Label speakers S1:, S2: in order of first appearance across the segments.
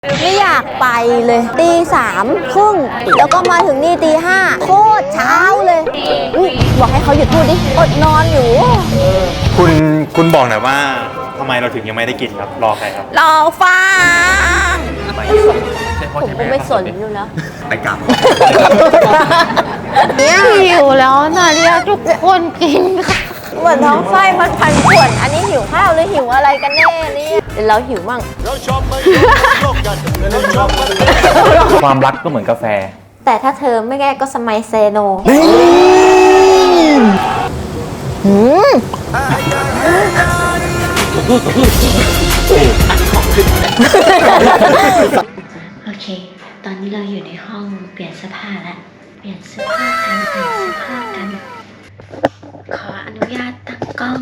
S1: ไม่อยากไปเลยตี 3 ครึ่งแล้วก็มาถึงนี่ตี 5โคตรเช้าเลยบอกให้เขาหยุดพูดดิอดนอนอยู่
S2: คุณบอกหน่อยว่าทำไมเราถึงยังไม่ได้กินครับรอใครครับ
S1: รอฟังผมก็ไม่สนอยู่แล้ว
S2: ไปกลับ
S1: เนี่ยหิวแล้วนะเรียกทุกคนกินค่ะเหมือนท้องไส้มันพันป่วนอันนี้หิวข้าวหรือหิวอะไรกันแน่เนี่ยเดี๋ยวเราหิวมั่ง
S2: ความรักก็เหมือนกาแฟ
S1: แต่ถ้าเธอไม่แก้ก็สมัยเซโน
S3: โอเค ตอนนี้เราอยู่ในห้องเปลี่ยนเสื้อผ้าแล้ว เปลี่ยนเสื้อผ้ากัน ขออนุญาตตั้งกล้อง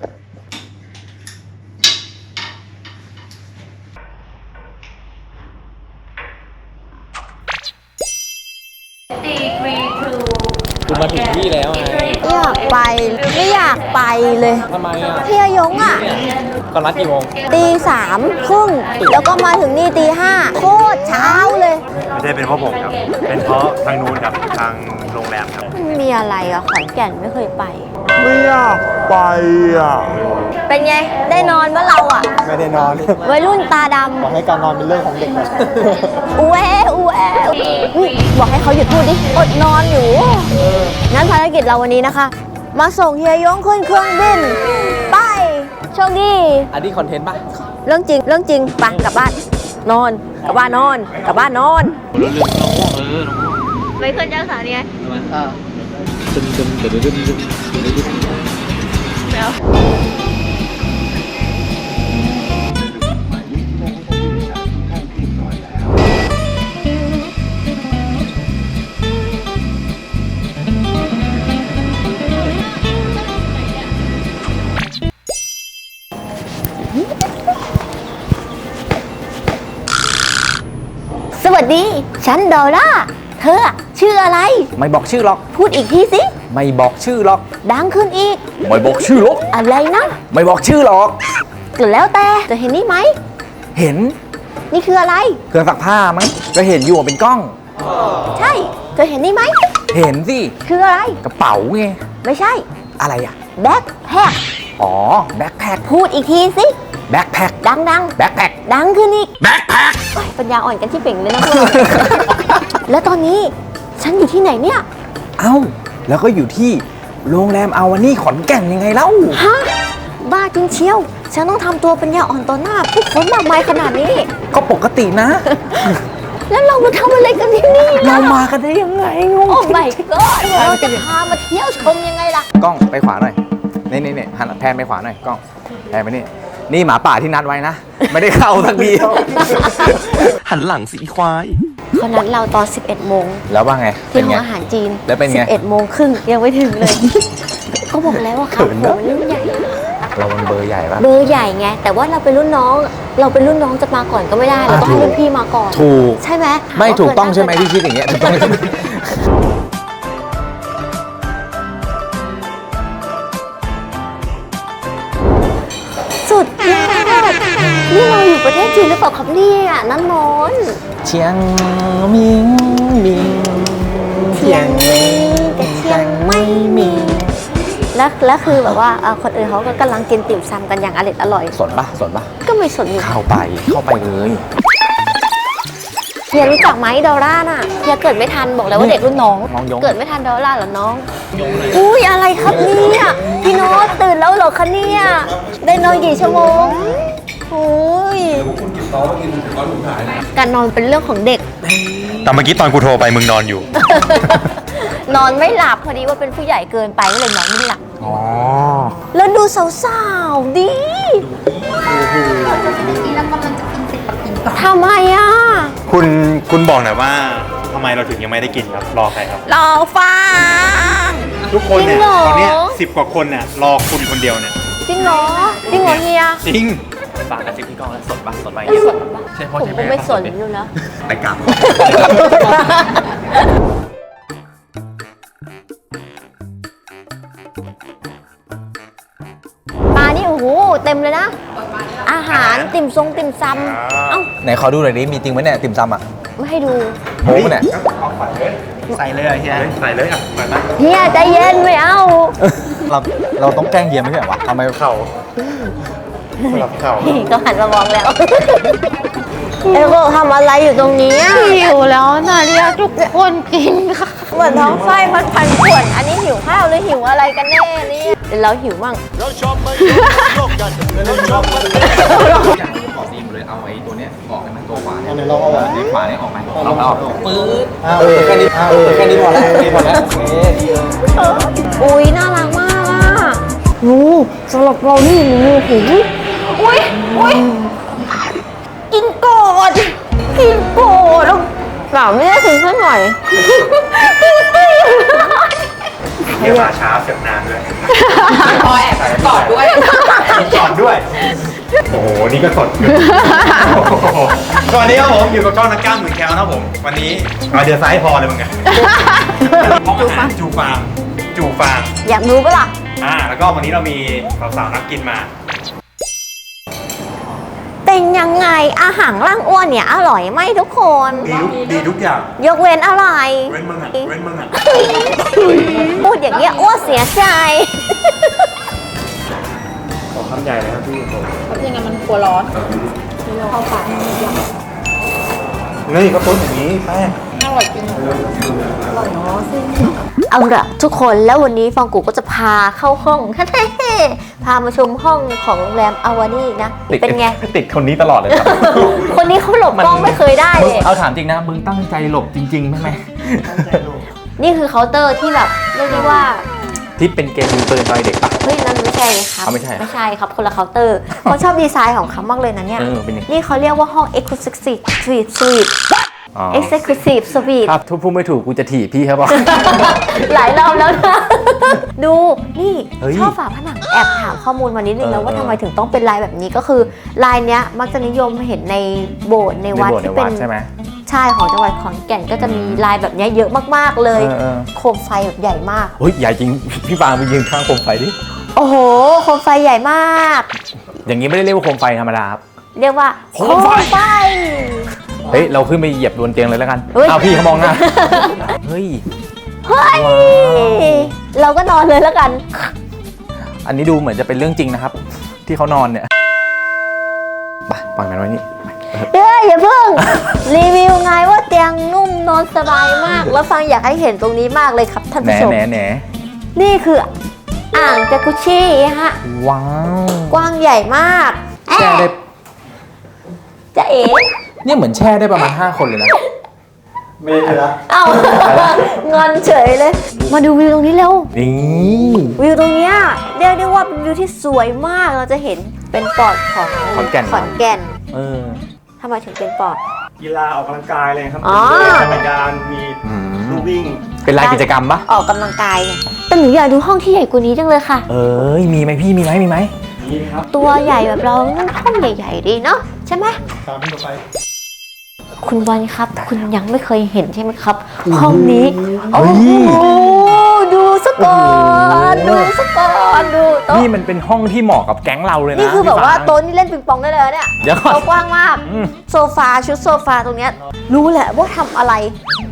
S4: คุณมาถึงที่แล้วไง
S1: อยากไปไม่อยากไปเลย
S4: ทำไมอ่ะ
S1: เที่ยวยงอ่ะ
S4: ก็นัดกี่โมง
S1: ตี 3 ครึ่งแล้วก็มาถึงนี่ตี 5โคตรเช้าเลย
S2: ไม่ใช่เป็นเพราะผมครับเป็นเพราะทางนู้นครับทางโรงแรมครับ
S1: มันมีอะไรอะขอนแก่นไม่เคยไป
S5: ไม่อยากไปอ่ะ
S1: เป็นไงได้นอนเมื่อเราอะ
S4: ไม่ได้นอน
S1: วัยรุ่นตาดำ
S4: บอกให้การนอนเป็นเรื่องของเด็กนะ
S1: อูแอบอกให้เขาหยุดพูดดิอดนอนอยู่งั้นภารกิจเราวันนี้นะคะมาส่งเฮียยงขึ้นเครื่องบินไปโชคดี
S4: อันนี้คอนเทนต์ป่ะ
S1: เรื่องจริงไปกลับบ้านนอนกลับบ้านนอนกลับบ้านนอนไม่ขึ้นจ้างสารไงสวัสดีฉันดอร่าเธอชื่ออะไร
S4: ไม่บอกชื่อหรอก
S1: พูดอีกทีสิ
S4: ไม่บอกชื่อหรอก
S1: ดังขึ้นอีก
S4: ไม่บอกชื่อหรอก
S1: อะไรนะ
S4: ไม่บอกชื่อหรอก
S1: ก็แล้วแต่จะเห็นนี่ไหม
S4: เห็น
S1: นี่คืออะไร
S4: เครื่องซักผ้ามั้งก็เห็นอยู่เป็นกล้อง
S1: ใช่เธอเห็นนี่ไหม
S4: เห็นสิ
S1: คืออะไร
S4: กระเป๋าไง
S1: ไม่ใช่
S4: อะไรอ่ะ
S1: แบ็คแพ็ค
S4: อ๋อแบ็คแพ็ค
S1: พูดอีกทีสิ
S4: แบ็คแพ็ค
S1: ดัง
S4: แบ็คแพ็ค
S1: ดังขึ้นอีก
S4: แบ็คแพ็ค
S1: ปัญญาอ่อนกันที่เป่งเลยนะพวกเราแล้วตอนนี้ฉันอยู่ที่ไหนเนี่ย
S4: เอ้าแล้วก็อยู่ที่โรงแรมอาวานี่ขอนแก่นยังไงเล่า
S1: ฮะบ้าจริงเชียวฉันต้องทำตัวปัญญาอ่อนต่อหน้าผู้คนมากมายขนาดนี้
S4: ก็ปกตินะ
S1: แล้วเรามาทำอะไรกันที่นี่
S4: เรามากันได้ยังไงงง
S1: โอ้ไม่ก็เราจะพามาเที่ยวชมยังไงล่ะ
S4: กล้องไปขวาหน่อยนี่หันแพนไปขวาหน่อยกล้องแพนไปนี่หมาป่าที่นัดไว้นะไม่ได้เข้าสักทีหันหลังสีควาย
S1: เขานัดเราตอน 11 โมง
S4: แล้วว่าไง
S1: ที่ห้องอาหารจีน
S4: แล้วเป็นไง
S1: 11 โมงครึ่งยังไม่ถึงเลยเขาบอกแล้วว่าเขามันรุ่นใหญ่
S4: เรามันเบอร์ใหญ่ปะ
S1: เบอร์ใหญ่ไงแต่ว่าเราเป็นรุ่นน้องจะมาก่อนก็ไม่ได้เราต้องให้รุ่นพี่มาก่อน
S4: ถูก
S1: ใช่ไหม
S4: ไม่ถูกต้องใช่ไหมที่คิดอย่างเงี้ยถูกต้อง
S1: สุดยอดนี่เราอยู่ประเทศจีนหรือเปล่าครับเนี่ยน้ำนน
S4: เชียงมิง
S1: เชียงมิงแต่เชียงไม่มีแล้วคือแบบว่าคนอื่นเขาก็กำลังกินติ่มซำกันอย่างอร่อย
S4: สนปะ
S1: ก็ไม่สนอยู่
S4: เข้าไปเลย
S1: เฮียรู้จักไหมดอร่าน่ะเฮียเกิดไม่ทันบอกแล้วว่าเด็กรุ่นน้องเกิดไม่ทันดอร่าเหรอน้องอุ้ยอะไรครับเนี่ยพี่โน้ตตื่นแล้วเหรอคะเนี่ยได้นอนกี่ชั่วโมงอุ้ยการนอนเป็นเรื่องของเด็ก
S2: แต่เมื่อกี้ตอนกูโทรไปมึงนอนอยู่
S1: นอนไม่หลับพอดีว่าเป็นผู้ใหญ่เกินไปก็เลยนอนไม่หลับ
S4: อ๋อ
S1: แล้วดูสาวๆดิทำไมอ่ะ
S2: คุณบอกหน่อยว่าทำไมเราถึงยังไม่ได้กินครับรอใครครับ
S1: รอฟัง
S2: ทุกคนเนี่ยตอนนี้10 กว่าคนเนี่ยรอคุณคนเดียวเนี่ย
S1: จริงเหรอเฮีย
S2: จริง
S4: ฝากกระซิบพี่กล้องแล้วสดปะใช่พ่อ
S1: ผมไม่สนอยู่แล้ว
S4: ไปกลับ
S1: ปลานี่โอ้โหเต็มเลยนะอาหารติ่มซำเอ้า
S4: ไหนขอดูหน่อยดิมีจริงไหมเนี่ยติ่มซำอ่ะ
S1: ไม่ให้ดู
S4: โม้ปะเนี่ย
S2: ใส่เลยอ่ะเฮียใส่เลยอ่ะใส่ไหม
S1: เฮียใจเย็นไม่เอา
S4: เราต้องแกล้งเยียมไม่ใช่เหรอวะทำไม
S2: เข่าสลับเข่า
S1: ก็หันมามองแล้วเอโกะทำอะไรอยู่ตรงนี้อะ
S3: หิวแล้วนะเรียกทุกคนกินค่ะ
S1: เหมือนท้องไส้มันพันป่วนอันนี้หิวข้าวหรือหิวอะไรกันแน่เนี่ยเดี๋ยวเราหิวมั่ง
S4: ขอซีมเลยเอาไอ้ตัวเนี้ยออกให้มันตัวขวาเนี่ยเราเอาในขวาเนี่ยออกไปเราเอาปื๊ดแค่นี้แค่นี้พอแล้วแค่นี้พอแล้วโอเคดีเลย
S1: อุ้ยน่ารักมากอ่ะงูสำหรับเรานี่งูหูอุ้ยกินก่อนแล้วเปล่าไม่ได้ถึงสักหน่อย
S2: เฮียมาช้าเสียงนานด้วย
S4: พอแอบกอดด้วย
S2: จอดด้วย โอ้โห นี่ก็สดสวัสดีครับผมอยู่กับช่องนักกล้ามหมื่นแคลนะครับผม วันนี้เอาเดือดซ้ายพอเลยมึงไงห้องอาหารจูฟาง
S1: อยากรู้ปะล่ะ
S2: แล้วก็วันนี้เรามีสาวๆนักกินมา
S1: เป็นยังไงอาหารร่างอ้วนเนี่ยอร่อยไหมทุกคน
S2: ดีทุกอย่าง
S1: ยกเว้นอะไร
S2: เว้นมึงอ่ะ
S1: พูดอย่างเงี้ยอ้วนเสียใจ
S2: ขอคำใหญ่เลยครับพี่ผม
S3: ยังไงมันกลัวร้อน
S2: นี่ก็ต้นอย่างนี้แป้ง
S1: เอาละทุกคนแล้ววันนี้ฟองกูก็จะพาเข้าห้อง พามาชมห้องของโรงแรมอาวานี่นะ เป็นไง
S4: ติดคนนี้ตลอดเลยครับ
S1: คนนี้เขาหลบกล้องไม่เคยได้
S4: มึ
S1: เล
S4: ง
S1: ย
S4: เอาถามจริงนะมึงตั้งใจหลบจริงๆใช่ไหม
S1: นี่คือเคาน์เตอร์ที่แบบเรียกได้ว่า
S4: ที่เป็นเกมยิงปืนตอนเด็กปะ
S1: เฮ้ยนั่นไม่ใช่เลยครับ
S4: เอาไม่ใช่เหรอ
S1: ไม่ใช่ครับคนละเคาน์เตอร์เขาชอบดีไซน์ของเขามากเลยนะเนี่ย
S4: เป็นยังไง
S1: นี่เขาเรียกว่าห้อง Exclusive Suite
S4: อ๋อ
S1: Exclusive Suite
S4: ถ้าพูดไม่ถูกกูจะถีบพี่ครับบอก
S1: หลายรอบแล้วนะ ดูนี่
S4: เฮ้ย
S1: ชอบฝาผนังแอบถามข้อมูลมานิดนึงแล้วว่าทำไมถึงต้องเป็นลายแบบนี้ก็คือลายเนี้ยมักจะนิยมเห็นในโบสถ์ในวัดที่เป็น
S4: ใช่ไหม
S1: ใช่ของจังหวัดขอนแก่นก็จะมีลายแบบเนี้ยเยอะมากๆเลย
S4: เออ
S1: โคมไฟแบบใหญ่มาก
S4: เฮ้ยใหญ่จริง พี่ฟางไปยืนข้างโคมไฟดิ
S1: โอ้โหโคมไฟใหญ่มาก
S4: อย่างนี้ไม่ได้เรียกว่าโคมไฟธรรมดาครับ
S1: เรียกว่าโคมไฟ
S4: เฮ้ยเราขึ้นไปเหยียบบนเตียงเลยแล้วกัน
S1: เฮ้ย
S4: เอาพี่เขามองหน้า เฮ้ย
S1: เฮ้ย เราก็นอนเลยแล้วกัน
S4: อันนี้ดูเหมือนจะเป็นเรื่องจริงนะครับ ที่เขานอนเนี่ยไปปล่อยมันไว้นี่
S1: เฮ้ยอย่าเพิ่ง รีวิวไงว่าเตียงนุ่มนอนสบายมาก แล้วฟังอยากให้เห็นตรงนี้มากเลยครับท่าน
S4: แหน
S1: ผู้ชม
S4: แหนแหน
S1: นี่คืออ่างจากุชี่ฮะ
S4: ว้าว
S1: กว้างใหญ่มาก
S4: แช่ได้
S1: จะเอ๋
S4: เนี่ยเหมือนแช่ได้ประมาณ5 คนเลยนะ
S2: ไม่ได้ละ
S1: เอ้า งอนเฉยเลย มาดูวิวตรงนี้เร็ว
S4: นี่
S1: วิวตรงเนี้ยเรียกได้ว่าเป็นวิวที่สวยมาก เราจะเห็นเป็นปอดของ
S4: ขอนแก่น
S1: ขอนแก่น
S4: เออ
S1: ทำไมถึงเป็นปอด
S2: กีฬาออกกำลังกายเลยครับ
S1: อ๋อ
S2: มีจักรยานมีลู่วิ่ง
S4: เป็นลายกิจกรรมปะ
S1: ออกกำลังกายไงแต่หนูอยากดูห้องที่ใหญ่กว่านี้จังเลยค่ะ
S4: เอ้ยมีไหมพี่มีไหม
S2: นี่ครับ
S1: ตัวใหญ่แบบเราต้องห้องใหญ่ๆดีเนาะใช่ไหม
S2: ตามพี่ต่อไป
S1: คุณบอลครับ คุณยังไม่เคยเห็นใช่ไหมครับ ห้องนี้ โอ้โหดูสก่อนดูสก่อนดูโต๊ะ
S4: นี่มันเป็นห้องที่เหมาะกับแก๊งเราเลยนะ
S1: นี่คือแบบว่า
S4: พี่ฟง
S1: โต๊ะนี่เล่นปิงปองได้เลยเนี่ย
S4: เดี๋ยวก่อน
S1: โต๊ะกว้างมาก
S4: อืม
S1: โซฟาชุดโซฟาตรงเนี้ยรู้แหละว่าทำอะไร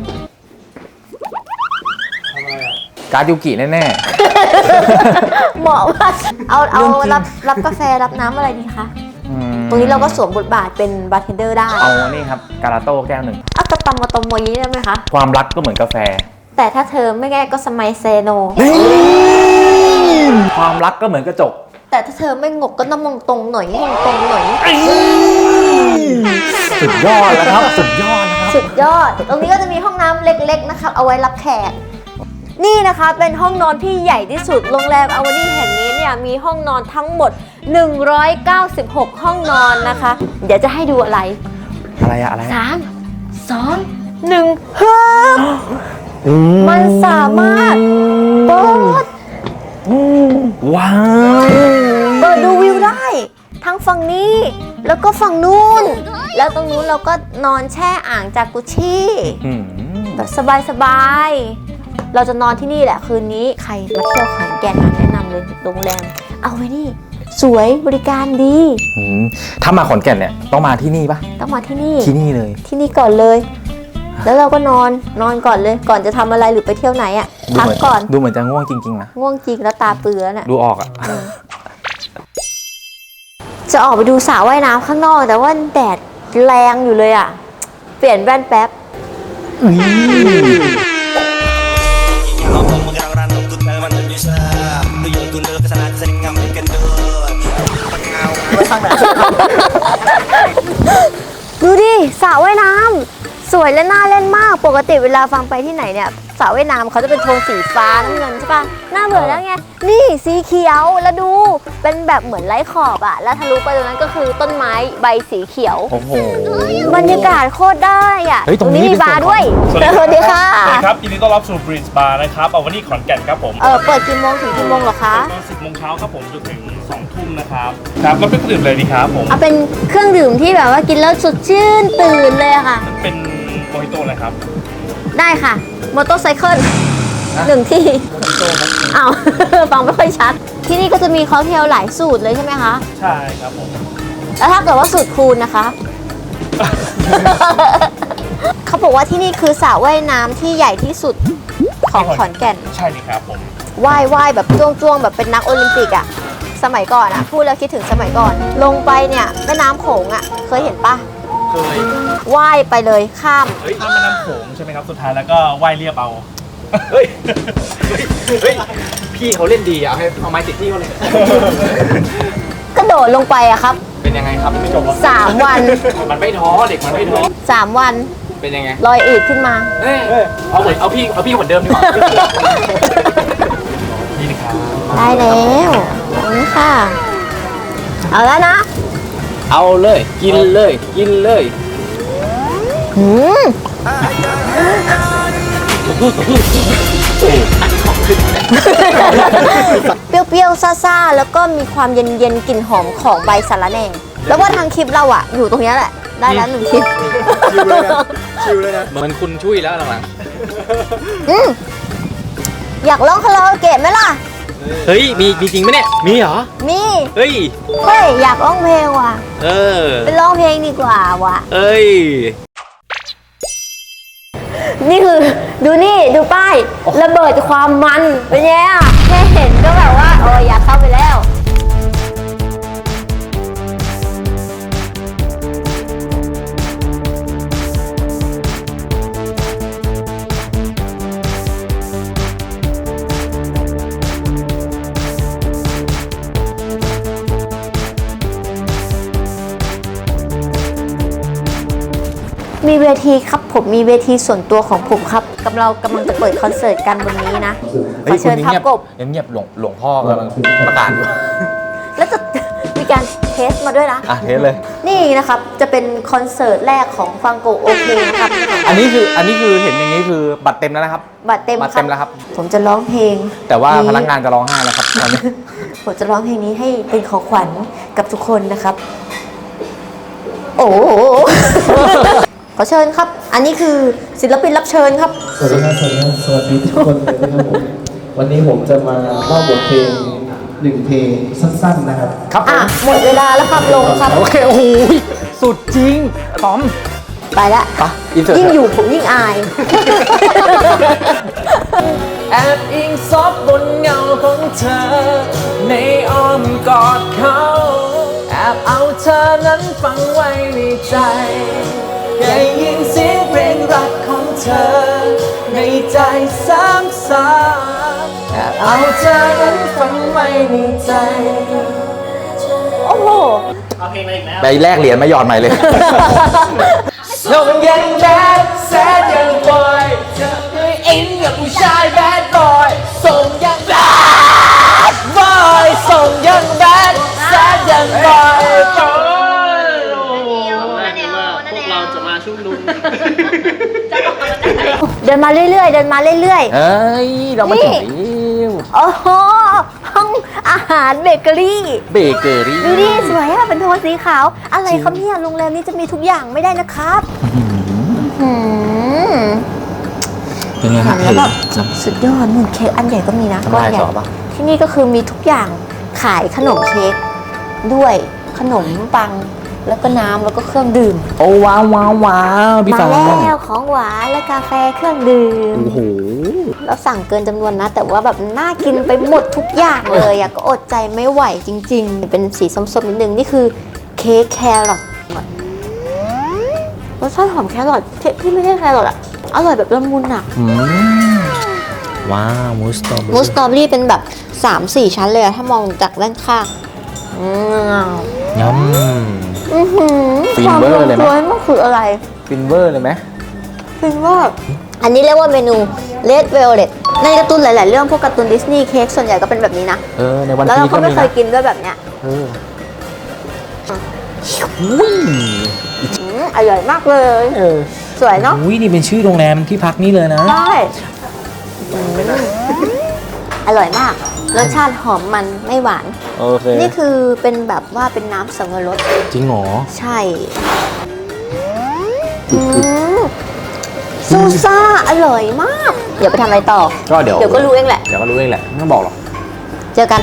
S4: การ์ดยูกิแน่
S1: เหมาะมากเอารับกาแฟรับน้ำอะไรดีคะ
S4: ๆอืม
S1: ตรงนี้เราก็สวมบทบาทเป็นบาร์เทนเดอร์ได้
S4: เอานี่ครับการาโต้แก้วหนึ่ง
S1: เอากระตำมาตมโมยได้ไหมคะ
S4: ความรักก็เหมือนกาแฟ
S1: แต่ถ้าเธอไม่แก้ก็สมัยเซโน
S4: ความรักก็เหมือนกระจก
S1: แต่ถ้าเธอไม่งกก็น้ำมงตรงหน่อยมงตรงหน่อย
S4: สุดยอดแล้วครับ สุดยอดนะครับ
S1: สุดยอด ตรงนี้ก็จะมีห้องน้ำเล็กๆนะครับเอาไว้รับแขก นี่นะคะเป็นห้องนอนที่ใหญ่ที่สุด โรงแรมอาวานี่แห่งนี้เนี่ยมีห้องนอนทั้งหมด 196 ห้องนอนนะคะ เดี๋ยวจะให้ดูอะไร
S4: อะไรอะอะไรอะ
S1: 3 2 1ฮึบมันสามารถเปิด
S4: ว้าว
S1: เปิดดูวิวได้ ทั้งฝั่งนี้แล้วก็ฝั่งนู้น แล้วตรงนู้นเราก็นอนแช่อ่างจากกุชี่
S4: อืม
S1: แบบสบายๆ เราจะนอนที่นี่แหละคืนนี้ใครมาเที่ยวขอนแก่นแนะนำเลยโรงแรมเอาไว้นี่สวยบริการดี
S4: ถ้ามาขอนแก่นเนี่ยต้องมาที่นี่ปะ
S1: ต้องมาที่นี่
S4: ที่นี่เลย
S1: ที่นี่ก่อนเลย แล้วเราก็นอนก่อนเลย ก่อนจะทำอะไรหรือไปเที่ยวไหนอ่ะพักก่อน
S4: ดูเหมือนจะง่วงจริงๆนะ
S1: ง่วงจริงแล้วตาเปื้อนอ่ะ
S4: ดูออกอ่ะ
S1: จะออกไปดูสระว่ายน้ำข้างนอกแต่ว่าแดดแรงอยู่เลยอ่ะ เปลี่ยนแว่นแป๊บ ดูดิสระว่ายน้ำสวยและน่าเล่นมากปกติเวลาฟังไปที่ไหนเนี่ยสระว่ายน้ำเขาจะเป็นโทนสีฟ้าน้ำเงินใช่ปะน่าเบื่อแล้วไงนี่สีเขียวแล้วดูเป็นแบบเหมือนไร้ขอบอะแล้วทะลุไปตรงนั้นก็คือต้นไม้ใบสีเขียว
S4: โอ้โห
S1: บรรยากาศโคตรได้อะ
S4: เฮ้ยตรงนี้
S1: มีบาร์ด้วย
S6: สวัสดี
S1: สวัสดีค่ะ
S6: สวัสดีครับยินดีต้อนรับสู่บริดจ์บาร์นะครับเอาวันนี้ขอนแก่นครับผม
S1: เปิดกี่โมงถึงกี่โมงเหรอคะ
S6: ตอน10 โมงเช้าครับผมจนถึง2 ทุ่มนะครับครับแล้วเป็นเครื่องดื่มเลยดีครับผม
S1: เอาเป็นเครื่องดื่มที่แบบว่ากินแล้วสดชื่นตื่นเลยอะค่ะ
S6: เป็นโมฮิโต้เลยครับ
S1: ได้ค่ะมอเตอร์ไซเคิลหนึ่งที่อ้าว ฟังไม่ค่อยชัด ที่นี่ก็จะมีค็อกเทลหลายสูตรเลยใช่ไหมคะ
S6: ใช่ครับผม
S1: แล้วถ้าเกิดว่าสูตรคูณนะคะ เขาบอกว่าที่นี่คือสระว่ายน้ำที่ใหญ่ที่สุดของขอนแก่น
S6: ใช่เลยครับผม
S1: ว่ายแบบจ้วงๆแบบเป็นนักโอลิมปิกอะสมัยก่อนอะพูดแล้วคิดถึงสมัยก่อน ลงไปเนี่ยแม่น้ำโขงอะเคยเห็นปะ
S6: เคย
S1: ว่ายไปเลยข้าม
S6: เฮ้ยข้ามแม่น้ำโขงใช่ไหมครับสุดท้ายแล้วก็ว่ายเรียบเอาเฮ้ย
S4: พี่เขาเล่นดีอ่ะให้เอาไม้ติดพี่เขาเลย
S1: กระโดดลงไปอะครับ
S4: เป็นยังไงครับไม่จบ
S1: 3 วัน
S4: มันไม่ท้อเด็กมันไม่ท้อ
S1: 3 วัน
S4: เป็นยังไง
S1: ลอยอืดขึ้นมา
S4: เอาพี่เหมือนเดิมดีกว่า
S6: นี่นะครับ
S1: ได้แล้วขอบคุณค่ะ เอาแล้วนะ
S4: เอาเลยกินเลยกินเลย
S1: หืมเปรี้ยวๆซ่าๆ แล้วก็มีความเย็นๆ กลิ่นหอมของใบสะระแหน่ แล้วว่าทางคลิปเราอะอยู่ตรงเนี้ยแหละ ได้แล้ว1 คลิป
S4: เหมือนคุณช่วยแล้วหลัง
S1: อืมอยากร้องคาราโอเกะไหมล่ะ
S4: ๆเฮ้ยมีจริงไหมเนี่ยมีเหรอ
S1: มี
S4: เฮ้ย
S1: เฮ้ย อยากร้องเพลงว่ะ
S4: เออ
S1: ไปร้องเพลงดีกว่าว่ะ
S4: เอ้ย
S1: นี่คือดูนี่ดูป้ายระเบิดความมันเป็นไงอ่ะแค่เห็นก็แบบว่าโอ้ยอยากเข้าไปแล้ว มีเวทีครับผมมีเวทีส่วนตัวของผมครับเรากำลังจะเปิดคอนเสิร์ตกันบนนี้นะขอเชิญพับกบ
S4: เงียบหลวงพ่อกำลังประกาศอยู่
S1: แล้วจะมีการเทสมาด้วยนะ
S4: อ่ะเทสเลย
S1: นี่นะครับจะเป็นคอนเสิร์ตแรกของฟังโกโอเคนะครับ
S4: อันนี้คือเห็นอย่างนี้คือบัตรเต็มแล้วนะครับ
S1: บัตรเต็ม
S4: บัตรเต็มแล้วครับ
S1: ผมจะร้องเพลง
S4: แต่ว่าพนักงานจะร้องไห้แล้วครับตอนนี้
S1: ผมจะร้องเพลงนี้ให้เป็นของขวัญกับทุกคนนะครับ โอ้โห ขอเชิญครับ อันนี้คือศิลปินรับเชิญครับ
S7: สวัสดีครับสวัสดีทุกคนเลยนะครับผมวันนี้ผมจะมามอบบทเพลง1 เพลงสั้นๆนะครับ
S4: ครับผ
S1: อ่ะ
S4: ม
S1: หมดเวลาแล้วครับลงครับ
S4: โอเคโอ้โหสุดจริงตอม
S1: ไปละ
S4: ไปอินเสิร์ต
S1: ยิ่งอยู่ผมยิ่งอาย
S8: แอบอิงซบบนเงาของเธอ ในอ้อมกอดเขา แอบเอาเธอนั้นฝังไว้ในใจได้ยินเสียงเพลงรักของเธอ ในใจซ้ำๆแอบเอาเธอนั้นฝังไว้ในใจ
S1: โอ้โห
S4: ไปแลกเหรียญมาหยอดใหม่เลย
S8: ส่งยังแบดแซดยังบอยเธอเคยอินกับผู้ชายแบดบอยส่งยังแบดบอยส่งยังแบดแซดยังบอย
S1: เดินมาเรื่อยๆ เดินมาเรื่อย
S4: เอ้ย เรามาถึง
S1: ๆ โอ้โห ห้องอาหารเบเกอรี่
S4: เบเกอรี่
S1: ดูดิสวยอะเป็นโทนสีขาว อะไรครับเนี่ยโรงแรมนี้จะมีทุกอย่างไม่ได้นะครับหืม
S4: เป็นไงฮะ
S1: แล้วแบบสุดยอดนู่นเค้กอันใหญ่ก็มีนะก้อนใหญ่ที่นี่ก็คือมีทุกอย่างขายขนมเค้กด้วยขนมปังแล้วก็น้ำแล้วก็เครื่องดื่ม
S8: โอ้ว้าวว้าวว้าวพี่
S1: มา
S8: ฟัง
S1: แล้วของหวานและกาแฟเครื่องดื่ม
S8: โอ้โห
S1: เราสั่งเกินจำนวนนะ แต่ว่าแบบน่ากินไปหมดทุกอย่างเลยอะก็อดใจไม่ไหวจริงๆ เป็นสีส้มๆนิดนึง นี่คือเค้กแครอทรสชาติหอมแครอทที่ไม่ใช่แครอทอะอร่อยแบบละมุนอะ
S8: ว้าวมูสตรอเบอรี่
S1: มูสตรอเบอรี่เป็นแบบ 3-4 ชั้นเลยอะถ้ามองจากด้านข้าง
S8: ยำ ฟินเวอร์เลยไหม
S1: ความมันคืออะไร
S8: ฟินเวอร์เลยไหม
S1: ฟินเวอร์อันนี้เรียกว่าเมนู Red Velvet ในการ์ตูนหลายๆเรื่องพวกการ์ตูนดิสนีย์เค้กส่วนใหญ่ก็เป็นแบบนี้นะ
S8: ในวัน
S1: แล้ว
S8: พี
S1: เรา
S8: ก็
S1: ก็ไม่
S8: มี
S1: เค
S8: นะ
S1: ยกินด้วยแบบเนี้ย อร่อยมากเลย สวยเนาะ
S8: อุ้ยนี่เป็นชื่อโรงแรมที่พักนี่เลยนะ
S1: ใช่อร่อยมาก รสชาติหอมมันไม่หวาน
S8: โอเค
S1: นี่คือเป็นแบบว่าเป็นน้ำสับปะรด
S8: จริงเหรอ
S1: ใช่ซูซ่าอร่อยมาก เดี๋ยวไปทำอะไรต่อ
S8: ก็เดี๋ยว
S1: ก็รู้เองแหละ
S8: เดี๋ยวก็รู้เองแหละไม่ต้องบอกหรอก
S1: เจอกัน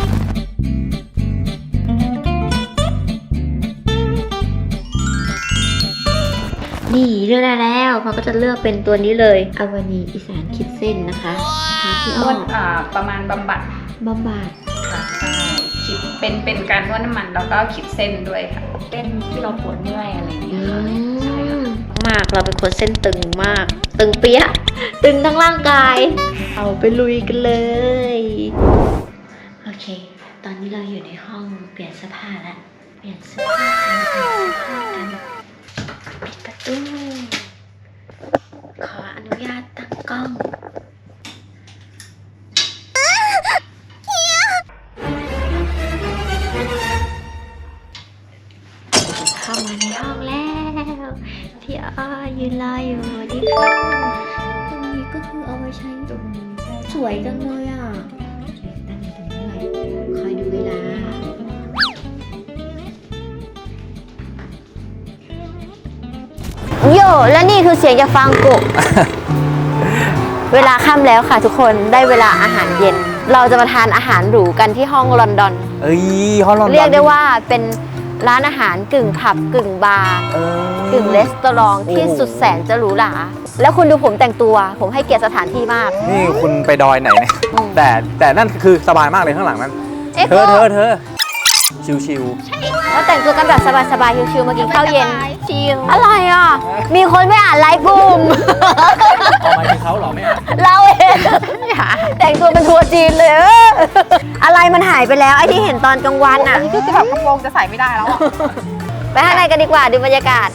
S1: นี่เลือกได้แล้วเขาก็จะเลือกเป็นตัวนี้เลยอวานีอีสานคิดเส้นนะคะทาที่อ้อม
S9: ประมาณบำบัด
S1: บำบัด
S9: ค่ะใช่คิดเป็นการนวดน้ำมันแล้วก็คิดเส้นด้วยค่ะเส้นที่เราปวดเมื่อยอะไรอย่างเงี้ยค่ะใช่ค่ะ
S1: มากเราเป็นคนเส้นตึงมาก ตึงเปี้ยะตึงทั้งร่างกาย เอาไปลุยกันเลย
S3: โอเค ตอนนี้เราอยู่ในห้องเปลี่ยนเสื้อผ้าแล้ว เปลี่ยนเสื้อผ้ากันเปลี่ยนเสื้อผ้ากันปิดประตู ขออนุญาตตั้งกล้อง เข้ามาในห้องแล้ว พี่อ้อยืนรออยู่ดีค่ะตรงนี้ก็คือเอาไว้ใช้ตรงนี้สวยจังเลยอ่ะตั้งอยู่ตรงนี้เลยคอยดูเวลา
S1: โยและนี่คือเสียงจากฟางกุ เวลาค่ำแล้วค่ะทุกคนได้เวลาอาหารเย็น เราจะมาทานอาหารหรูกันที่ห้องลอนดอน
S8: เอ้ยฮอลลอนดอน
S1: เรียกได้ว่าเป็นร้านอาหารกึ่งผับกึ่งบาร์กึ่งรีสตอรองที่สุดแสนจะหรูหราแล้วคุณดูผมแต่งตัวผมให้เกียรติสถานที่มาก
S8: นี่คุณไปดอยไหนเนี่ยแต่นั่นคือสบายมากเลยข้างหลังนั้น เธอชิว
S1: แล้วแต่งตัวกันแบบสบายๆชิวๆมากินข้าวเย็นชิลอะไรอ่ะมีคนไม่อ่านไลฟ์กลุ่ม
S8: ๆเอามาที่เขาเหรอไม่อ่ะ
S1: เราเองแต่งตัวเป็นทัวร์จีนเลย อะไรมันหายไปแล้วไอ้ที่เห็นตอนกลางวันอ่ะ
S9: อันนี้คือแบบกระโปรงจะใส่ไม่ได้แล้วอ่ะ
S1: ไปข้างในกันดีกว่าดูบรรยากาศ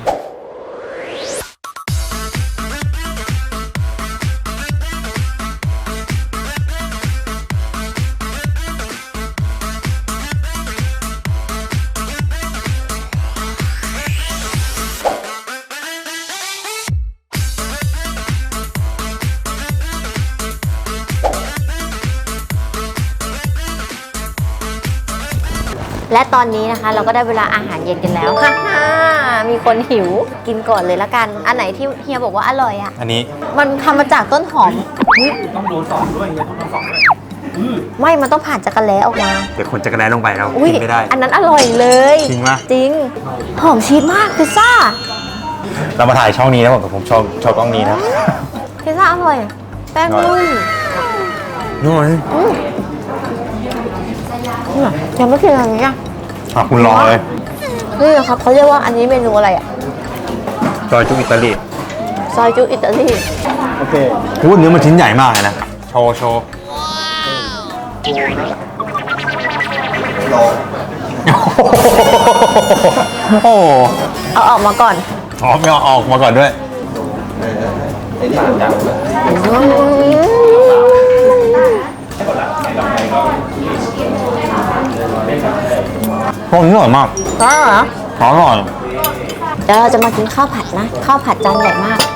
S1: และตอนนี้นะคะเราก็ได้เวลาอาหารเย็นกันแล้วค่ะมีคนหิวกินก่อนเลยละกัน อันไหนที่เฮียบอกว่าอร่อยอ่ะ
S2: อันนี้
S1: มันทำมาจากต้นหอม
S6: ต้องโดนสองด้วยเฮียต้องโดนสองด้วย
S1: ไม่มันต้องผ่านจักรแล้ออกมา
S2: เดี๋ยวคนจะกระแดนลงไปแล้ว
S1: อุ้ย
S2: กินไม่ได้
S1: อันนั้นอร่อยเลย
S2: จริงปะ
S1: จริง หอมชีสมากพิซซ่า
S2: เรามาถ่ายช่องนี้นะผมชอบกล้องนี้นะ
S1: พิซซ่าอร่อย แป้งนุ่ม
S2: นู่น
S1: ยังไม่กินอันนี้อ่ะ
S2: คุณลองเลย
S1: นี่ครับเขาเรียกว่าอันนี้เมนูอะไรอ่ะ
S2: ซอยจุอิตาลี
S1: ซอยจุอิตาลี
S7: โอเค
S2: พูดเนื้อมันชิ้นใหญ่มากเลยนะ โชว์โอ้โห
S1: เอาออกมาก่อน
S2: ไม่เอาออกมาก่อนด้วยพวกนี้อร่อยมาก
S1: อ๋อเหรอ
S2: อร่อย
S1: เดี๋ยวเราจะมากินข้าวผัดนะ ข้าวผัดจานใหญ่มาก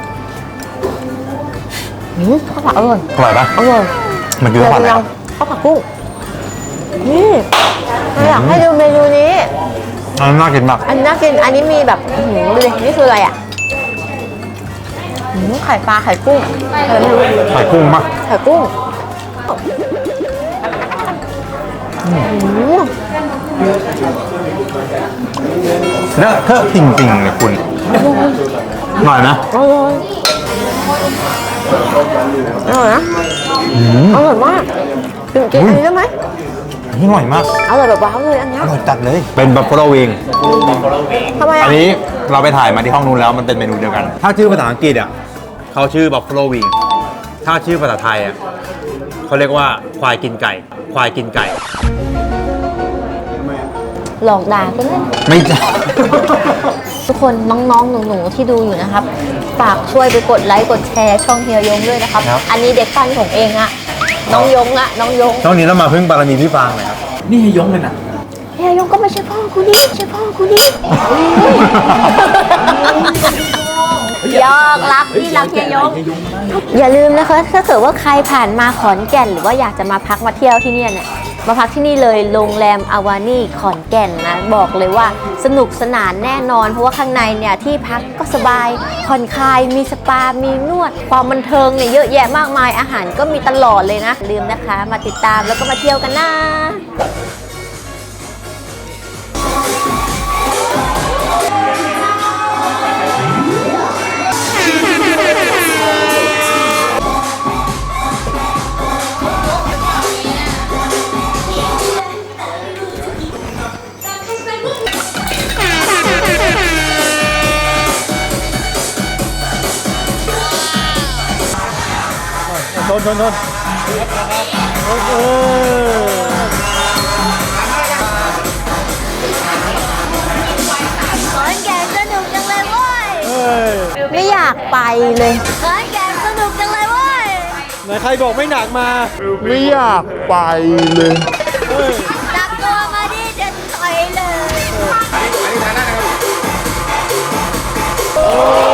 S1: ข้าวผัดอร่อย
S2: อร่อยปะ
S1: อร่อย
S2: มันคือข้าวผัดอะไรครับ
S1: ข้าวผัดกุ้งนี่เราอยากให้ดูเมนูนี้
S2: อันนี้น่ากินมาก
S1: อันนี้น่ากิน อันนี้มีแบบดูดินี่คืออะไรอ่ะไข่ปลาไข่กุ้งอะไรไม่รู้
S2: ไข่กุ้งมาก
S1: ไข่กุ้ง
S2: แล้วเธอจริงๆเลยคุณอร่อยนะ
S1: อร่อยอร่อยนะอร่อยมากกินอันนี้ได้ไหม
S2: อร่อยมาก
S1: อร่อยแบบว้าวเลยอันเนี้ย
S2: อร่อยจัดเลย เป็นบัฟเฟลวิง
S1: ทำไม
S2: อั
S1: อ่ะ
S2: นนี้เราไปถ่ายมาที่ห้องนู้นแล้วมันเป็นเมนูเดียวกัน ถ้าชื่อภาษาอังกฤษอ่ะเขาชื่อบัฟเฟลวิงถ้าชื่อภาษาไทยอ่ะเขาเรียกว่าควายกินไก่ ควายกินไก่
S1: หลอกด่ากันเลย
S2: ไม่ใช่
S1: ทุกคนน้องๆหนูๆที่ดูอยู่นะครับฝากช่วยไปกดไลค์กดแชร์ช่องเฮียยงด้วยนะครับ อันนี้เด็กปั้นของเองอะน้องยงอะน้องยง
S2: ช่วงนี้เรามาพึ่งบารมีพี่ฟางหน่อยครับ
S4: นี่ให้ยงเลยนะ
S1: เฮียยงก็ไม่ใช่พ่อกูนี่ใช่พ่อกูนี่ยอกรักพี่รักเฮียยง อย่าลืมนะคะถ้าเกิดว่าใครผ่านมาขอนแก่นหรือว่าอยากจะมาพักมาเที่ยวที่เนี่ยมาพักที่นี่เลยโรงแรมอาวานี่ขอนแก่นนะบอกเลยว่าสนุกสนานแน่นอนเพราะว่าข้างในเนี่ยที่พักก็สบายผ่อนคลายมีสปา มีนวดความบันเทิงเนี่ยเยอะแยะมากมายอาหารก็มีตลอดเลยนะลืมนะคะมาติดตามแล้วก็มาเที่ยวกันนะ
S6: โดน
S1: ขอนแก่นสนุกจังเลยเว้ยไม่อยากไปเลยขอนแก่นสนุกจังเลยเว้ย
S6: ไหนใครบอกไม่หนักมา
S5: ไม่อยากไปเลย
S1: จับตัวมาดิจะต่อยเลย